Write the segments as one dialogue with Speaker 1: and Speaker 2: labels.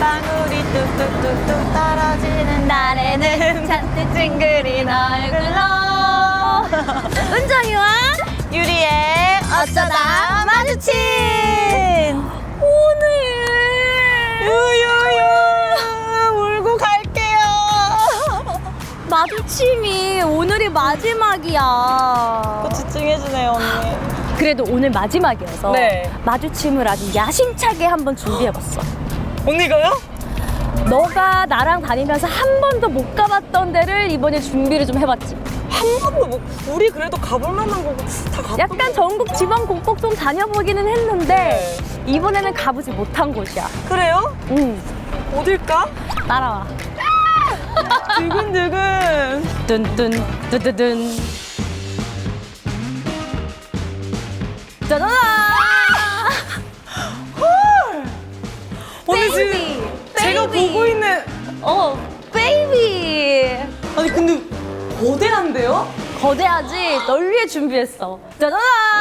Speaker 1: 방울이 뚝뚝뚝뚝 떨어지는 날에는 잔뜩 찡그린 얼굴로 은정이와 유리의 어쩌다 마주친 오늘 유유유 울고 갈게요.
Speaker 2: 마주침이 오늘이 마지막이야.
Speaker 1: 또 집중해주네요 언니.
Speaker 2: 그래도 오늘 마지막이어서
Speaker 1: 네.
Speaker 2: 마주침을 아주 야심차게 한번 준비해봤어.
Speaker 1: 언니가요?
Speaker 2: 너가 나랑 다니면서 한 번도 못 가봤던 데를 이번에 준비를 좀 해봤지.
Speaker 1: 한 번도 못. 우리 그래도 가볼 만한 거 다 가본.
Speaker 2: 약간 전국 지방 곳곳 좀 다녀보기는 했는데 이번에는 가보지 못한 곳이야.
Speaker 1: 그래요?
Speaker 2: 응.
Speaker 1: 어딜까?
Speaker 2: 따라와.
Speaker 1: 두근두근.
Speaker 2: 뚠뚠 뚜두둔. 짜자잔!
Speaker 1: 언니 지금 제가
Speaker 2: 베이비.
Speaker 1: 보고 있는.
Speaker 2: 베이비.
Speaker 1: 아니 근데 거대한데요?
Speaker 2: 거대하지? 널 위해 준비했어. 짜자잔!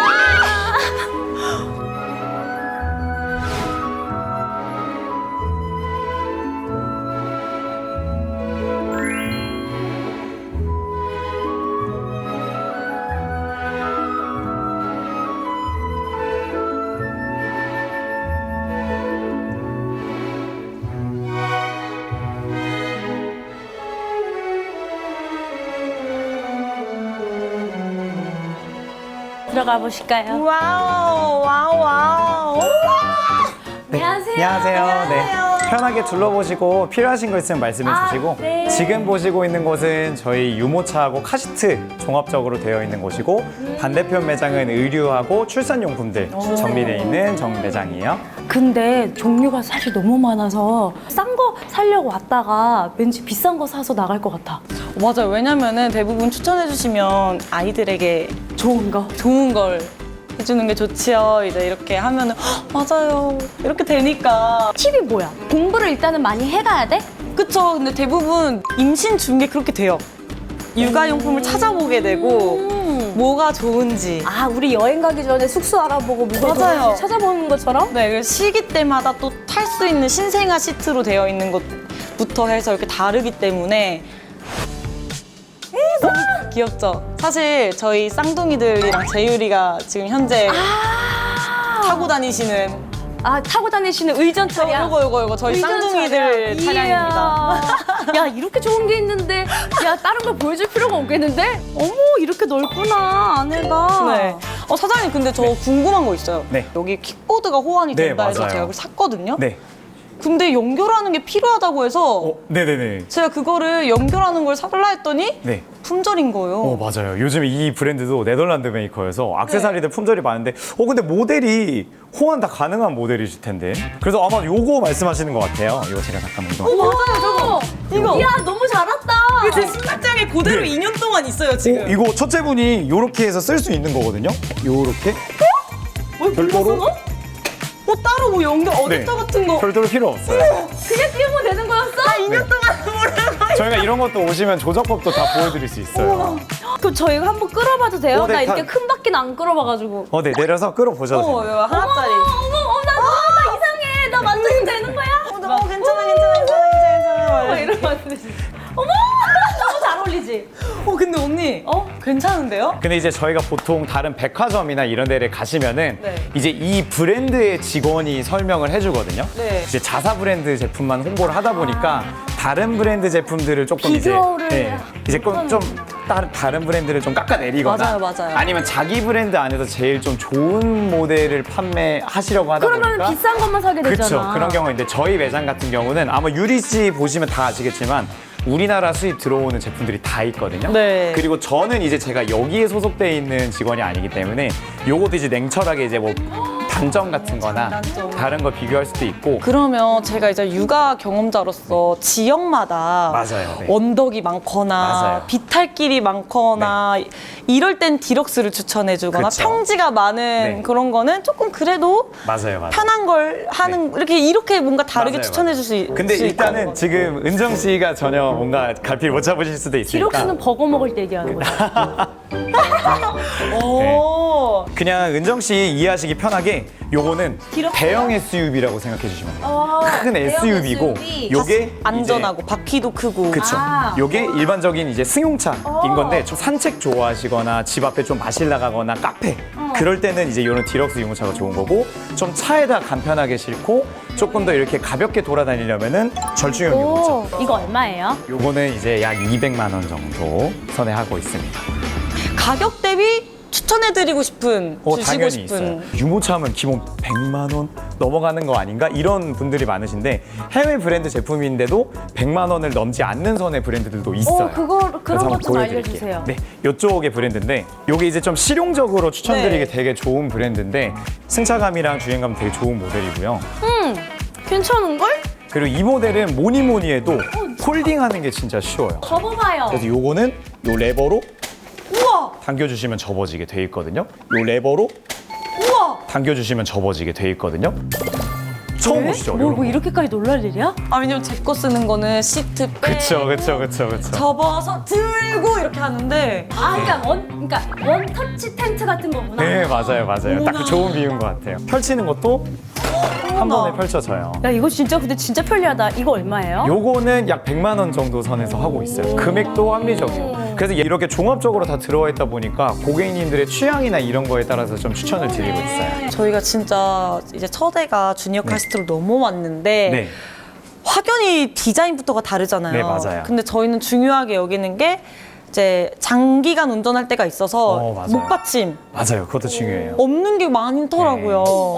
Speaker 2: 들어가 보실까요?
Speaker 1: 와우 와우 와우.
Speaker 3: 네,
Speaker 2: 안녕하세요.
Speaker 3: 안녕하세요.
Speaker 1: 안녕하세요.
Speaker 3: 네, 편하게 둘러보시고 필요하신 거 있으면 말씀해 주시고
Speaker 2: 네.
Speaker 3: 지금 보시고 있는 곳은 저희 유모차하고 카시트 종합적으로 되어 있는 곳이고 반대편 매장은 의류하고 출산용품들 정비되어 있는 정매장이에요.
Speaker 2: 근데 종류가 사실 너무 많아서 싼 거 사려고 왔다가 왠지 비싼 거 사서 나갈 것 같아.
Speaker 1: 맞아요. 왜냐면은 대부분 추천해 주시면 아이들에게
Speaker 2: 좋은 거.
Speaker 1: 좋은 걸 해주는 게 좋지요. 이제 이렇게 하면은 "헉, 맞아요. 이렇게 되니까.
Speaker 2: 팁이 뭐야? 공부를 일단은 많이 해가야 돼?
Speaker 1: 그쵸. 근데 대부분 임신 중에 그렇게 돼요. 육아용품을 찾아보게 되고 뭐가 좋은지.
Speaker 2: 아, 우리 여행 가기 전에 숙소 알아보고 뭐가
Speaker 1: 맞아요.
Speaker 2: 좋은지 찾아보는 것처럼?
Speaker 1: 네, 그 시기 때마다 또 탈 수 있는 신생아 시트로 되어 있는 것부터 해서 이렇게 다르기 때문에 너무 귀엽죠? 사실 저희 쌍둥이들이랑 재율이가 지금 현재 타고 다니시는
Speaker 2: 타고 다니시는 의전 차량.
Speaker 1: 요거 저희
Speaker 2: 의전
Speaker 1: 쌍둥이들
Speaker 2: 차량.
Speaker 1: 차량입니다.
Speaker 2: 이야. 야, 이렇게 좋은 게 있는데 야, 다른 걸 보여줄 필요가 없겠는데? 어머, 이렇게 넓구나, 안에가.
Speaker 1: 네. 사장님 근데 저 궁금한 거 있어요.
Speaker 3: 네.
Speaker 1: 여기 킥보드가 호환이
Speaker 3: 네,
Speaker 1: 된다 해서
Speaker 3: 맞아요.
Speaker 1: 제가 그걸 샀거든요.
Speaker 3: 네.
Speaker 1: 근데 연결하는 게 필요하다고 해서
Speaker 3: 네네네.
Speaker 1: 제가 그거를 연결하는 걸 사달라 했더니
Speaker 3: 네.
Speaker 1: 품절인 거예요.
Speaker 3: 맞아요. 요즘 이 브랜드도 네덜란드 메이커여서 액세서리들 품절이 많은데 근데 모델이 호환 다 가능한 모델이실 텐데 그래서 아마 요거 말씀하시는 것 같아요. 이거 제가 잠깐만 이동.
Speaker 2: 맞아요, 저거.
Speaker 1: 이거.
Speaker 2: 이야, 너무 잘 왔다.
Speaker 1: 제 신발장에 그대로
Speaker 3: 네.
Speaker 1: 2년 동안 있어요 지금.
Speaker 3: 이거 첫째 분이 요렇게 해서 쓸 수 있는 거거든요. 요렇게 별도로
Speaker 1: 따로 뭐 연결 어댑터
Speaker 3: 네.
Speaker 1: 같은 거.
Speaker 3: 별도로 필요 없어요.
Speaker 2: 그게 끼우면 되는 거였어?
Speaker 1: 2년 동안 모르는 거.
Speaker 3: 저희가 이런 것도 오시면 조작법도 다 보여드릴 수 있어요.
Speaker 2: 그럼 저희가 한번 끌어봐도 돼요?
Speaker 3: 네,
Speaker 2: 나 이렇게
Speaker 3: 다-
Speaker 2: 큰 바퀴는 안 끌어봐가지고.
Speaker 3: 네, 내려서 끌어보셔도 됩니다.
Speaker 1: 이거 하나짜리.
Speaker 2: 나 이상해. 나 만져도 되는 거야?
Speaker 1: 괜찮아.
Speaker 2: 이러면 안 되지. 어머! 너무 잘 어울리지?
Speaker 1: 근데 언니. 괜찮은데요?
Speaker 3: 근데 이제 저희가 보통 다른 백화점이나 이런 데를 가시면은
Speaker 1: 네.
Speaker 3: 이제 이 브랜드의 직원이 설명을 해주거든요.
Speaker 1: 네.
Speaker 3: 이제 자사 브랜드 제품만 홍보를 하다 보니까 다른 브랜드 제품들을 조금
Speaker 2: 비교를
Speaker 3: 이제 좀 다른 브랜드를 좀 깎아내리거나
Speaker 1: 맞아요.
Speaker 3: 아니면 자기 브랜드 안에서 제일 좀 좋은 모델을 판매하시려고 하다
Speaker 2: 그러면
Speaker 3: 보니까
Speaker 2: 비싼 것만 사게 되잖아.
Speaker 3: 그렇죠. 그런 경우인데 저희 매장 같은 경우는 아마 유리 씨 보시면 다 아시겠지만 우리나라 수입 들어오는 제품들이 다 있거든요.
Speaker 1: 네.
Speaker 3: 그리고 저는 이제 제가 여기에 소속돼 있는 직원이 아니기 때문에 요것도 이제 냉철하게 이제 뭐 단점 같은 거나
Speaker 1: 장단점.
Speaker 3: 다른 거 비교할 수도 있고
Speaker 1: 그러면 제가 이제 육아 경험자로서 지역마다
Speaker 3: 맞아요. 네.
Speaker 1: 언덕이 많거나
Speaker 3: 맞아요.
Speaker 1: 비탈길이 많거나 이럴 땐 디럭스를 추천해주거나
Speaker 3: 그쵸.
Speaker 1: 평지가 많은
Speaker 3: 네.
Speaker 1: 그런 거는 조금 그래도
Speaker 3: 맞아요.
Speaker 1: 편한 걸 하는 이렇게 뭔가 다르게
Speaker 3: 맞아요,
Speaker 1: 추천해줄 수 있어요.
Speaker 3: 근데 일단은 지금 은정 씨가 전혀 뭔가 갈피를 못 잡으실 수도 있으니까
Speaker 2: 디럭스는 버거 먹을 때 얘기하는 거죠.
Speaker 1: 오.
Speaker 3: 그냥 은정 씨 이해하시기 편하게 요거는
Speaker 2: 길었어요?
Speaker 3: 대형 SUV라고 생각해 주시면 돼요. 큰
Speaker 2: 대형
Speaker 3: SUV고
Speaker 2: SUV.
Speaker 3: 요게
Speaker 1: 안전하고 바퀴도 크고.
Speaker 3: 그쵸.
Speaker 2: 아.
Speaker 3: 요게 일반적인 이제 승용차인 건데 좀 산책 좋아하시거나 집 앞에 좀 마실 나가거나 카페 그럴 때는 이제 요런 디럭스 유모차가 좋은 거고 좀 차에다 간편하게 싣고 조금 더 이렇게 가볍게 돌아다니려면은 절충형 유모차.
Speaker 2: 오, 이거 얼마예요?
Speaker 3: 요거는 이제 약 200만 원 정도 선에 하고 있습니다.
Speaker 1: 가격 대비 추천해드리고 싶은, 주시고
Speaker 3: 당연히
Speaker 1: 싶은.
Speaker 3: 있어요. 유모차 하면 기본 100만 원 넘어가는 거 아닌가? 이런 분들이 많으신데 해외 브랜드 제품인데도 100만 원을 넘지 않는 선의 브랜드들도 있어요.
Speaker 2: 그런
Speaker 3: 그래서
Speaker 2: 것
Speaker 3: 한번
Speaker 2: 좀
Speaker 3: 보여드릴게요.
Speaker 2: 알려주세요.
Speaker 3: 네, 이쪽의 브랜드인데 이게 이제 좀 실용적으로 추천드리기
Speaker 1: 네.
Speaker 3: 되게 좋은 브랜드인데 승차감이랑 주행감 되게 좋은 모델이고요.
Speaker 2: 괜찮은걸?
Speaker 3: 그리고 이 모델은 뭐니 해도 폴딩하는 게 진짜 쉬워요.
Speaker 2: 접어봐요.
Speaker 3: 그래서 요거는 요 레버로
Speaker 1: 우와!
Speaker 3: 당겨주시면 접어지게 돼 있거든요. 요 레버로
Speaker 1: 우와!
Speaker 3: 당겨주시면 접어지게 돼 있거든요. 처음 보시죠?
Speaker 2: 뭐,
Speaker 3: 요런
Speaker 2: 뭐
Speaker 3: 거.
Speaker 2: 이렇게까지 놀랄 일이야?
Speaker 1: 아, 왜냐면 제 거 쓰는 거는 시트 빼.
Speaker 3: 그쵸.
Speaker 1: 접어서 들고 이렇게 하는데.
Speaker 2: 그러니까 원 터치 텐트 같은 거구나.
Speaker 3: 네, 맞아요. 딱 그 좋은 비유인 것 같아요. 펼치는 것도 한 번에 펼쳐져요.
Speaker 2: 야, 이거 진짜 근데 진짜 편리하다. 이거 얼마예요?
Speaker 3: 요거는 약 100만 원 정도 선에서 하고 있어요. 금액도 합리적이에요. 그래서 이렇게 종합적으로 다 들어와 있다 보니까 고객님들의 취향이나 이런 거에 따라서 좀 추천을 드리고 있어요.
Speaker 1: 저희가 진짜 이제 첫 애가 주니어 카스트로 넘어왔는데
Speaker 3: 네.
Speaker 1: 확연히 디자인부터가 다르잖아요.
Speaker 3: 네, 맞아요.
Speaker 1: 근데 저희는 중요하게 여기는 게 이제 장기간 운전할 때가 있어서
Speaker 3: 맞아요.
Speaker 1: 목받침
Speaker 3: 맞아요. 그것도 중요해요.
Speaker 1: 없는 게 많더라고요.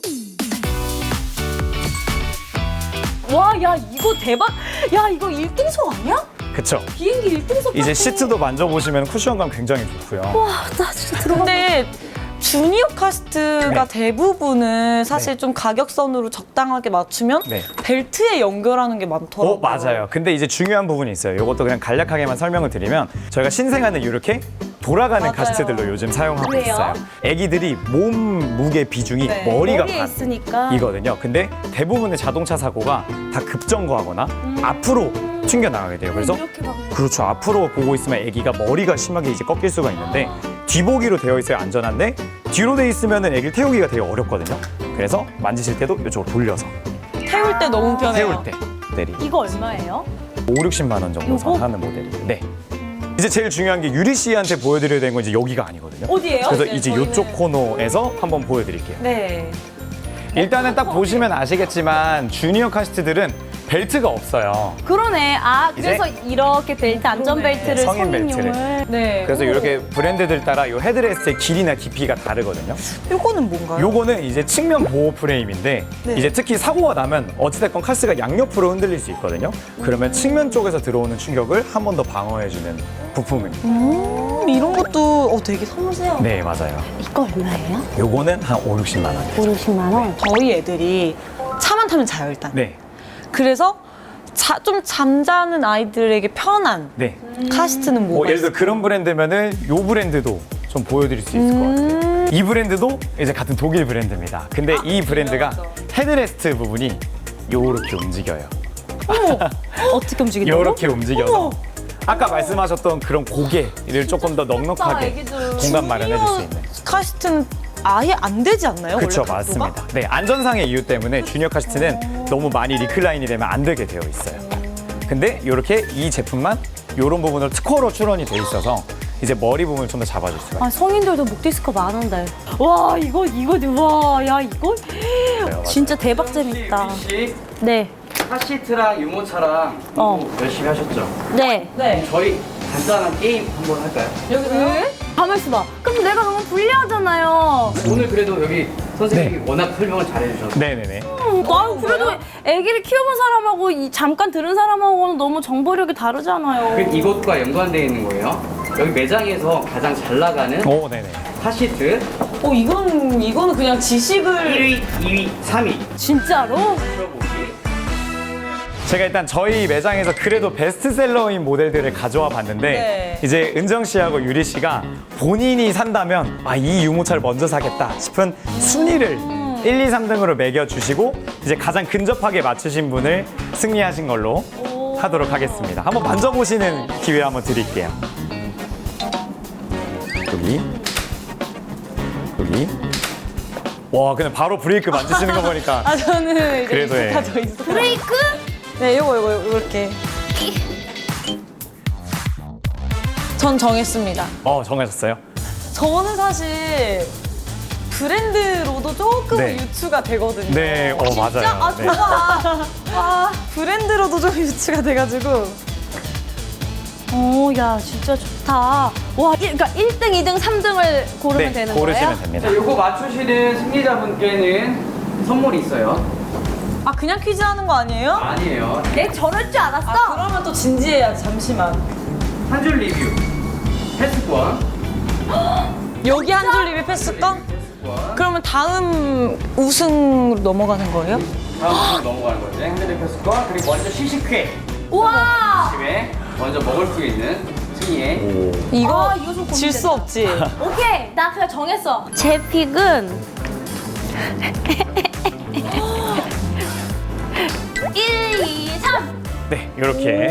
Speaker 2: 와, 야, 이거 대박. 야, 이거 1등석 아니야?
Speaker 3: 그쵸.
Speaker 2: 비행기 1등석
Speaker 3: 이제 시트도 만져보시면 쿠션감 굉장히 좋고요.
Speaker 2: 와, 나 진짜 들어가.
Speaker 1: 근데 주니어 카스트가
Speaker 3: 네.
Speaker 1: 대부분은 사실 좀 가격선으로 적당하게 맞추면
Speaker 3: 네.
Speaker 1: 벨트에 연결하는 게 많더라고요.
Speaker 3: 맞아요. 근데 이제 중요한 부분이 있어요. 이것도 그냥 간략하게만 설명을 드리면 저희가 신생아는 이렇게 돌아가는
Speaker 1: 맞아요.
Speaker 3: 카스트들로 요즘 사용하고
Speaker 2: 왜요?
Speaker 3: 있어요. 아기들이 몸 무게 비중이
Speaker 1: 네.
Speaker 3: 머리가
Speaker 2: 머리에
Speaker 3: 반
Speaker 2: 있으니까.
Speaker 3: 이거든요. 근데 대부분의 자동차 사고가 다 급정거하거나 앞으로 튕겨 나가게 돼요. 그래서
Speaker 2: 이렇게 막.
Speaker 3: 그렇죠. 앞으로 보고 있으면 아기가 머리가 심하게 이제 꺾일 수가 있는데 뒤보기로 되어 있어야 안전한데 뒤로 돼 있으면은 아기를 태우기가 되게 어렵거든요. 그래서 만지실 때도 이쪽으로 돌려서
Speaker 1: 태울 때 너무 편해요.
Speaker 3: 태울 때 모델이
Speaker 2: 이거 얼마예요?
Speaker 3: 50, 60만 원 정도
Speaker 2: 요거?
Speaker 3: 선하는 모델이에요. 네. 이제 제일 중요한 게 유리 씨한테 보여드려야 되는 건 이제 여기가 아니거든요.
Speaker 2: 어디예요?
Speaker 3: 그래서
Speaker 1: 네,
Speaker 3: 이제
Speaker 1: 저희는-
Speaker 3: 이쪽 코너에서 한번 보여드릴게요.
Speaker 1: 네.
Speaker 3: 일단은 딱 보시면 아시겠지만 주니어 카시트들은 벨트가 없어요.
Speaker 2: 그러네. 그래서 이렇게 벨트, 안전벨트를
Speaker 3: 성인
Speaker 2: 성인용을.
Speaker 1: 네.
Speaker 3: 그래서 이렇게 브랜드들 따라 이 헤드레스트의 길이나 깊이가 다르거든요.
Speaker 1: 요거는 뭔가요?
Speaker 3: 요거는 이제 측면 보호 프레임인데
Speaker 1: 네.
Speaker 3: 이제 특히 사고가 나면 어찌됐건 카스가 양옆으로 흔들릴 수 있거든요. 그러면 측면 쪽에서 들어오는 충격을 한 번 더 방어해주는 부품입니다.
Speaker 1: 이런 것도 되게 섬세하고.
Speaker 3: 네, 맞아요.
Speaker 2: 이거 얼마예요?
Speaker 3: 요거는 한 5, 60만 원.
Speaker 2: 50만 원.
Speaker 1: 저희 애들이 차만 타면 자요 일단.
Speaker 3: 네,
Speaker 1: 그래서 좀 잠자는 아이들에게 편한
Speaker 3: 네.
Speaker 1: 카시트는 뭐가
Speaker 3: 예를 들어
Speaker 1: 있어요?
Speaker 3: 그런 브랜드면은 요 브랜드도 좀 보여드릴 수 있을 것 같아요. 이 브랜드도 이제 같은 독일 브랜드입니다. 근데 이 브랜드가 헤드레스트 부분이 요렇게 움직여요.
Speaker 2: 어떻게 움직인다고?
Speaker 3: 요렇게 움직여서 아까 말씀하셨던 그런 고개를 조금 더 넉넉하게
Speaker 2: 애기들.
Speaker 3: 공간 마련해 줄 수 있는.
Speaker 1: 카시트는 아예 안 되지 않나요?
Speaker 3: 그렇죠,
Speaker 1: 원래 각도가?
Speaker 3: 맞습니다. 네, 안전상의 이유 때문에 주니어 카시트는 너무 많이 리클라인이 되면 안 되게 되어 있어요. 근데 이렇게 이 제품만 이런 부분을 특허로 출원이 돼 있어서 이제 머리 부분을 좀 더 잡아줄 수가 있어요.
Speaker 2: 성인들도 목 디스크 많은데. 와, 이거, 와, 야, 이거 진짜 대박 재밌다.
Speaker 4: 혹시
Speaker 2: 네.
Speaker 4: 카시트랑 유모차랑 공부 열심히 하셨죠?
Speaker 2: 네.
Speaker 1: 네.
Speaker 4: 저희 간단한 게임 한번 할까요?
Speaker 2: 왜? 가만 있어봐. 그럼 내가 너무 불리하잖아요.
Speaker 4: 오늘 그래도 여기 선생님이 워낙 설명을 잘해주셔서
Speaker 3: 네네네.
Speaker 2: 나 그래도 아기를 키워본 사람하고 잠깐 들은 사람하고는 너무 정보력이 다르잖아요.
Speaker 4: 그 이것과 연관되어 있는 거예요. 여기 매장에서 가장 잘 나가는
Speaker 3: 오, 네네.
Speaker 4: 카시트
Speaker 1: 이거는 그냥 지식을
Speaker 4: 1위, 2위, 3위
Speaker 2: 진짜로?
Speaker 4: 들어보기.
Speaker 3: 제가 일단 저희 매장에서 그래도 베스트셀러인 모델들을 가져와 봤는데
Speaker 1: 네.
Speaker 3: 이제 은정 씨하고 유리 씨가 본인이 산다면 이 유모차를 먼저 사겠다 싶은 순위를 1, 2, 3등으로 매겨주시고 이제 가장 근접하게 맞추신 분을 승리하신 걸로 하도록 하겠습니다. 한번 만져보시는 기회 한번 드릴게요. 여기 여기. 와, 근데 바로 브레이크 만지시는 거 보니까.
Speaker 1: 아, 저는 이제
Speaker 3: 그래도 해.
Speaker 1: 익숙하죠, 익숙하죠.
Speaker 2: 브레이크?
Speaker 1: 네, 요거 이렇게. 전 정했습니다.
Speaker 3: 정하셨어요?
Speaker 1: 저는 사실 브랜드로도 조금
Speaker 3: 네.
Speaker 1: 유추가 되거든요.
Speaker 3: 네, 맞아요.
Speaker 2: 아,
Speaker 3: 네.
Speaker 2: 좋아. 아,
Speaker 1: 브랜드로도 좀 유추가 돼가지고.
Speaker 2: 야, 진짜 좋다. 와, 그러니까 1등, 2등, 3등을 고르면 되는 거예요?
Speaker 3: 고르시면 됩니다.
Speaker 4: 자, 요거 맞추시는 승리자분께는 선물이 있어요.
Speaker 1: 아, 그냥 퀴즈 하는 거 아니에요?
Speaker 4: 아니에요.
Speaker 2: 내 저럴 줄 알았어.
Speaker 1: 아, 그러면 또 진지해야지, 잠시만.
Speaker 4: 한 줄 리뷰. 패스권.
Speaker 1: 여기 한 줄 리뷰 패스권?
Speaker 4: 패스권.
Speaker 1: 그러면 다음 우승으로 넘어가는 거예요?
Speaker 4: 다음 넘어가는 거죠. 핸드백 패스권. 그리고 먼저 시식회.
Speaker 2: 우와!
Speaker 4: 집에 먼저 먹을 수 있는 승리의
Speaker 1: 이거
Speaker 2: 이거 좀
Speaker 1: 질 수
Speaker 2: 고민된다.
Speaker 1: 없지.
Speaker 2: 오케이, 나 그냥 정했어. 제 픽은 1, 2, 3.
Speaker 3: 네, 이렇게.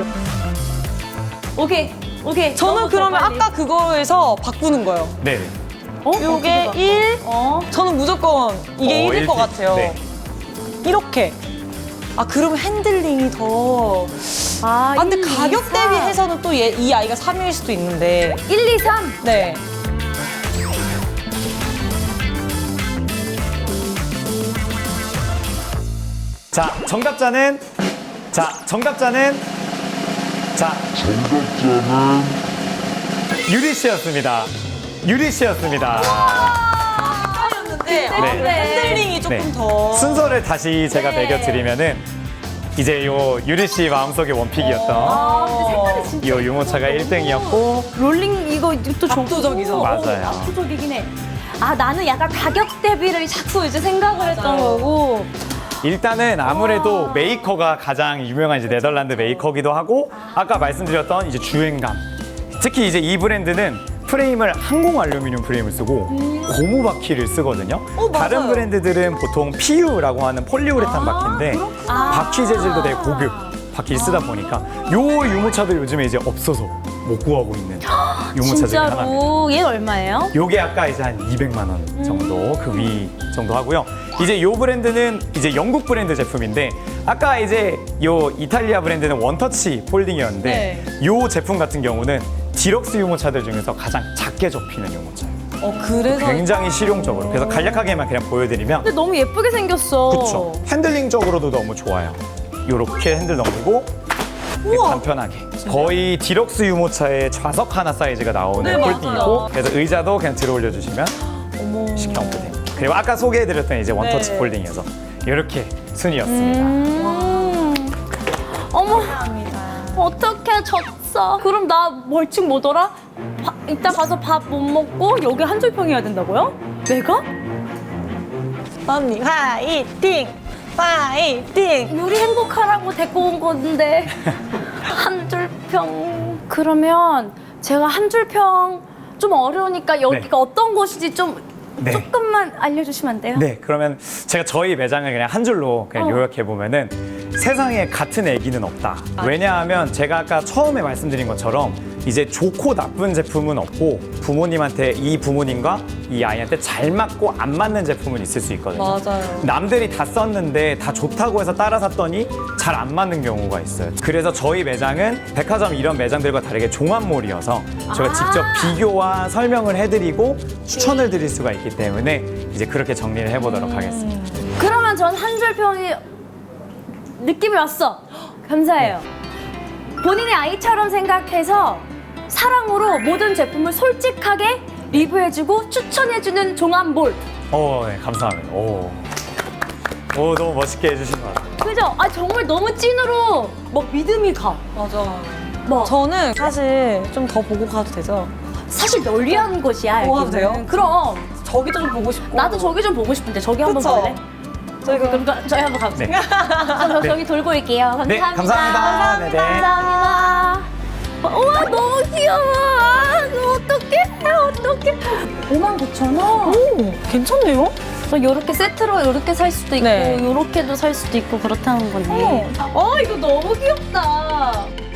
Speaker 2: 오케이, 오케이.
Speaker 1: 저는
Speaker 2: 넘어서
Speaker 1: 그러면
Speaker 2: 빨리.
Speaker 1: 아까 그거에서 바꾸는 거예요.
Speaker 3: 네.
Speaker 1: 요게
Speaker 2: 어떻게
Speaker 1: 1,
Speaker 2: 봐?
Speaker 1: 저는 무조건 이게 1일 것
Speaker 3: 일픽.
Speaker 1: 같아요.
Speaker 3: 네.
Speaker 1: 이렇게. 아, 그러면 핸들링이 더.
Speaker 2: 아,
Speaker 1: 아, 근데
Speaker 2: 1, 2,
Speaker 1: 가격
Speaker 2: 3.
Speaker 1: 대비해서는 또 이 아이가 3위일 수도 있는데.
Speaker 2: 1, 2, 3.
Speaker 1: 네.
Speaker 3: 자, 정답자는 유리 씨였습니다. 유리 씨였습니다.
Speaker 1: 였는데
Speaker 3: 네.
Speaker 1: 핸들링이 조금
Speaker 3: 네.
Speaker 1: 더.
Speaker 3: 순서를 다시 제가
Speaker 2: 네.
Speaker 3: 매겨드리면은 이제 요 유리 씨 마음속의 원픽이었던
Speaker 2: 아, 근데 색깔이 진짜.
Speaker 3: 이 유모차가 1등이었고
Speaker 2: 롤링 이것도 좋고.
Speaker 1: 압도적이죠.
Speaker 3: 맞아요.
Speaker 2: 압도적이긴 해. 아, 나는 약간 가격 대비를 자꾸 이제 생각을 했던 거고.
Speaker 3: 일단은 아무래도 메이커가 가장 유명한 이제 네덜란드 메이커기도 하고 아까 말씀드렸던 이제 주행감. 특히 이제 이 브랜드는 프레임을 항공 알루미늄 프레임을 쓰고 고무 바퀴를 쓰거든요.
Speaker 1: 맞아요.
Speaker 3: 다른 브랜드들은 보통 PU라고 하는 폴리우레탄 바퀴인데 바퀴 재질도 되게 고급 바퀴를 쓰다 보니까 요 유모차들 요즘에 이제 없어서 못 구하고 있는 유모차 중에 하나입니다.
Speaker 2: 진짜로. 얘 얼마예요?
Speaker 3: 요게 아까 이제 한 200만 원 정도 그 위 정도 하고요. 이제 요 브랜드는 이제 영국 브랜드 제품인데 아까 이제 요 이탈리아 브랜드는 원터치 폴딩이었는데
Speaker 1: 네.
Speaker 3: 요 제품 같은 경우는 디럭스 유모차들 중에서 가장 작게 접히는 유모차예요.
Speaker 1: 그래서.
Speaker 3: 굉장히 실용적으로. 그래서 간략하게만 그냥 보여드리면
Speaker 2: 근데 너무 예쁘게 생겼어.
Speaker 3: 그쵸. 핸들링적으로도 너무 좋아요. 요렇게 핸들 넘기고
Speaker 1: 우와.
Speaker 3: 간편하게. 거의 디럭스 유모차의 좌석 하나 사이즈가 나오는
Speaker 1: 네,
Speaker 3: 폴딩이고
Speaker 1: 맞아요.
Speaker 3: 그래서 의자도 그냥 들어 올려주시면
Speaker 1: 어머.
Speaker 3: 쉽게 옮겨 됩니다. 그리고 아까 소개해드렸던 이제 원터치
Speaker 1: 네.
Speaker 3: 폴딩이어서 이렇게 순이었습니다.
Speaker 2: 어머, 어떡해, 졌어. 그럼 나 벌칙 뭐더라? 이따 가서 밥 못 먹고 여기 한 줄평 해야 된다고요? 내가?
Speaker 1: 언니, 화이팅! 화이팅!
Speaker 2: 요리 행복하라고 데리고 온 건데 한 줄평. 그러면 제가 한 줄평 좀 어려우니까 여기가
Speaker 3: 네.
Speaker 2: 어떤 곳인지 좀
Speaker 3: 네.
Speaker 2: 조금만 알려주시면 안 돼요?
Speaker 3: 네, 그러면 제가 저희 매장을 그냥 한 줄로 그냥 요약해 보면은 세상에 같은 애기는 없다. 왜냐하면 제가 아까 처음에 말씀드린 것처럼 이제 좋고 나쁜 제품은 없고 부모님한테 이 부모님과 이 아이한테 잘 맞고 안 맞는 제품은 있을 수 있거든요.
Speaker 1: 맞아요.
Speaker 3: 남들이 다 썼는데 다 좋다고 해서 따라 샀더니 잘 안 맞는 경우가 있어요. 그래서 저희 매장은 백화점 이런 매장들과 다르게 종합몰이어서 저희가 직접 비교와 설명을 해드리고 추천을 드릴 수가 있기 때문에 이제 그렇게 정리를 해보도록 하겠습니다.
Speaker 2: 그러면 전 한 줄평이 느낌이 왔어. 감사해요. 본인의 아이처럼 생각해서 사랑으로 모든 제품을 솔직하게 리뷰해주고 추천해주는 종합몰.
Speaker 3: 네, 감사합니다. 오, 너무 멋있게 해주신 것 같아요.
Speaker 2: 그죠? 아, 정말 너무 찐으로 막 믿음이 가.
Speaker 1: 맞아.
Speaker 2: 뭐
Speaker 1: 저는 사실 좀 더 보고 가도 되죠?
Speaker 2: 사실 널리한 곳이야.
Speaker 1: 보고
Speaker 2: 여기는.
Speaker 1: 가도 돼요?
Speaker 2: 그럼
Speaker 1: 저기도 좀 보고 싶고.
Speaker 2: 나도 저기 좀 보고 싶은데 저기 한번
Speaker 1: 그쵸?
Speaker 2: 볼래? 그럼 저희 한번 가보자.
Speaker 3: 네.
Speaker 2: 그럼 저기 돌고 올게요. 감사합니다.
Speaker 3: 네, 감사합니다. 네네.
Speaker 2: 감사합니다. 우와, 너무 귀여워. 어떡해. 59,000원.
Speaker 1: 오, 괜찮네요?
Speaker 2: 이렇게 세트로 이렇게 살 수도 있고
Speaker 1: 네.
Speaker 2: 이렇게도 살 수도 있고 그렇다는 거네. 이거 너무 귀엽다.